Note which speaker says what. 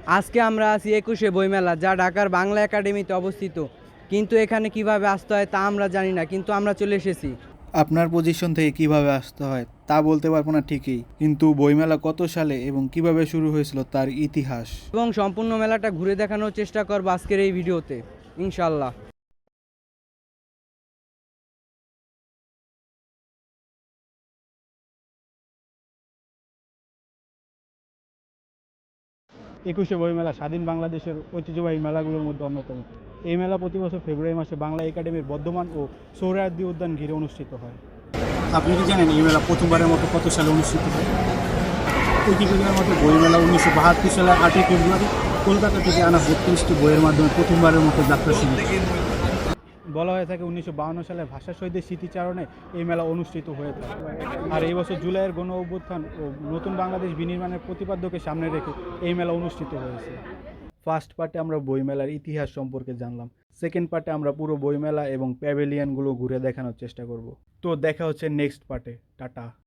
Speaker 1: আজকে আমরা আছি ২১শে বইমেলা, যা ঢাকার বাংলা একাডেমিতে অবস্থিত। কিন্তু এখানে কিভাবে আসতে হয় তা আমরা জানি না, কিন্তু আমরা চলে এসেছি।
Speaker 2: আপনার পজিশন থেকে কিভাবে আসতে হয় তা বলতে পারবো না ঠিকই, কিন্তু বইমেলা কত সালে এবং কিভাবে শুরু হয়েছিল তার ইতিহাস।
Speaker 1: এবং সম্পূর্ণ মেলাটা ঘুরে দেখানোর চেষ্টা করবো আজকের এই ভিডিওতে, ইনশাল্লাহ।
Speaker 3: ২১শে বইমেলা স্বাধীন বাংলাদেশের ঐতিহ্যবাহী মেলাগুলোর মধ্যে অন্যতম। এই মেলা প্রতি বছর ফেব্রুয়ারি মাসে বাংলা একাডেমির বর্ধমান ও সোহরাওয়ার্দী উদ্যান ঘিরে অনুষ্ঠিত হয়।
Speaker 4: আপনি কি জানেন এই মেলা প্রথমবারের মতো কত সালে অনুষ্ঠিত হয়? উইকিপিডিয়ার মতে বইমেলা 1972 সালের 8ই ফেব্রুয়ারি কলকাতা থেকে আনা 32টি বইয়ের মাধ্যমে প্রথমবারের মতো যাত্রা শুরু হয়।
Speaker 3: বলা হয়ে থাকে 1952 সালে ভাষা শহীদের স্মৃতিচারণে এই মেলা অনুষ্ঠিত হয়ে থাকে। আর এই বছর জুলাইয়ের গণ অভ্যুত্থান ও নতুন বাংলাদেশ বিনির্মাণের প্রতিপাদ্যকে সামনে রেখে এই মেলা অনুষ্ঠিত হয়েছে। ফার্স্ট পার্টে আমরা বইমেলার ইতিহাস সম্পর্কে জানলাম। সেকেন্ড পার্টে আমরা পুরো বইমেলা এবং প্যাভিলিয়নগুলো ঘুরে দেখানোর চেষ্টা করব। তো দেখা হচ্ছে নেক্সট পার্টে। টাটা।